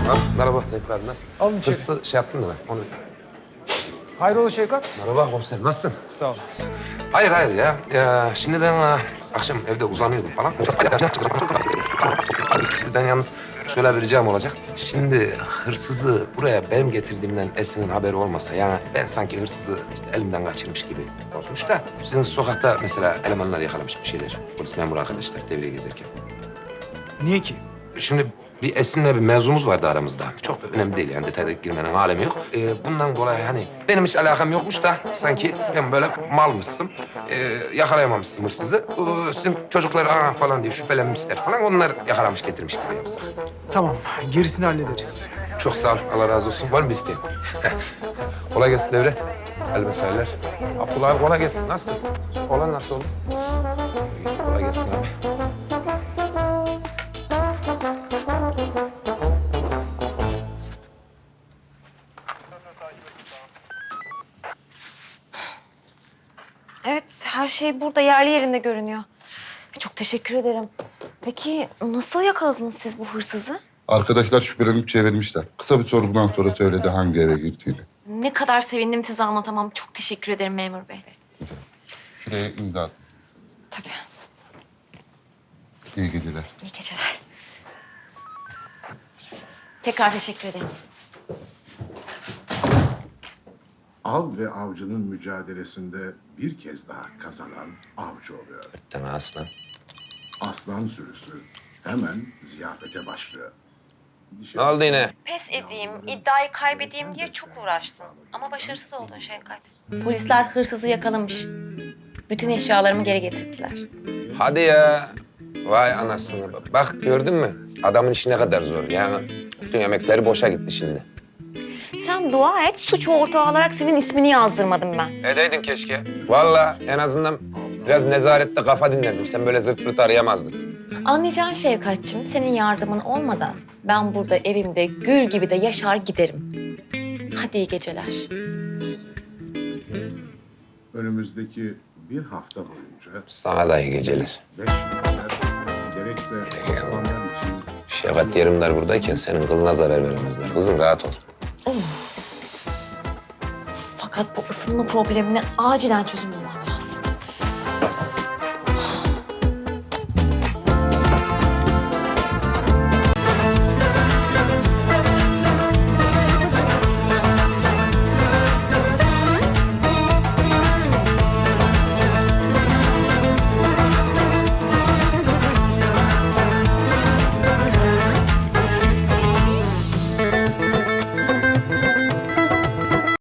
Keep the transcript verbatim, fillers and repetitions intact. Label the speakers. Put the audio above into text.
Speaker 1: Ah, merhaba tekrar, nasılsın?
Speaker 2: Alın içeri.
Speaker 1: Hırsız şey yaptın mı ben? Onu...
Speaker 2: Hayrola Şevkat?
Speaker 1: Merhaba komiserim, nasılsın?
Speaker 2: Sağ ol.
Speaker 1: Hayır, hayır ya. ya şimdi ben e, akşam evde uzanıyordum falan. Sizden yalnız şöyle bir ricam olacak. Şimdi hırsızı buraya benim getirdiğimden Esin'in haberi olmasa... yani ben sanki hırsızı işte elimden kaçırmış gibi olmuş da... sizin sokakta mesela elemanlar yakalamış bir şeyler. Polis memuru arkadaşlar devriye gezerken.
Speaker 2: Niye ki?
Speaker 1: Şimdi bir Esin'le bir mevzumuz vardı aramızda. Çok da önemli değil yani, detayda girmenin alemi yok. Ee, bundan dolayı hani benim hiç alakam yokmuş da sanki ben böyle malmışsın, ee, yakalayamamışsın hırsızı. Ee, sizin çocuklar aa falan diye şüphelenmişler falan, onlar yakalamış getirmiş gibi yapsak.
Speaker 2: Tamam, gerisini hallederiz.
Speaker 1: Çok sağ ol, Allah razı olsun. Var mı bir isteğin? Kolay gelsin devre. El meseleler. Abdullah abi kolay gelsin. Nasılsın? Olan nasıl oldu? Kolay gelsin abi.
Speaker 3: Evet, her şey burada yerli yerinde görünüyor. Çok teşekkür ederim. Peki nasıl yakaladınız siz bu hırsızı?
Speaker 4: Arkadaşlar şüphelenip çevirmişler. Kısa bir sorgudan sonra söyledi hangi eve girdiğini.
Speaker 3: Ne kadar sevindim size anlatamam. Çok teşekkür ederim memur bey.
Speaker 4: Şuraya imza at.
Speaker 3: Tabii.
Speaker 4: İyi geceler.
Speaker 3: İyi geceler. Tekrar teşekkür ederim.
Speaker 5: Av ve avcının mücadelesinde bir kez daha kazanan avcı oluyor.
Speaker 1: Tamam aslan.
Speaker 5: Aslan sürüsü hemen ziyafete başlıyor.
Speaker 1: Ne oldu yine?
Speaker 3: Pes edeyim, iddiayı kaybedeyim diye çok uğraştın. Ama başarısız oldun Şevkat. Polisler hırsızı yakalamış. Bütün eşyalarımı geri getirdiler.
Speaker 1: Hadi ya. Vay anasını. Bak gördün mü? Adamın işi ne kadar zor. Yani bütün emekleri boşa gitti şimdi.
Speaker 3: Sen dua et, suç ortağı olarak senin ismini yazdırmadım ben.
Speaker 1: Edeydin keşke. Vallahi en azından biraz nezarette kafa dinlerdim. Sen böyle zırt pırt arayamazdın.
Speaker 3: Anlayacağın Şevkatçığım, senin yardımın olmadan ben burada evimde gül gibi de yaşar giderim. Hadi iyi geceler.
Speaker 5: Önümüzdeki bir hafta boyunca
Speaker 1: Sana da iyi geceler.
Speaker 5: beş şüpheliler gerekse aslanlar için
Speaker 1: Şevkat Yerimdar buradayken senin kılına zarar veremezler. Kızım rahat ol.
Speaker 3: Fakat bu ısınma problemine acilen çözüm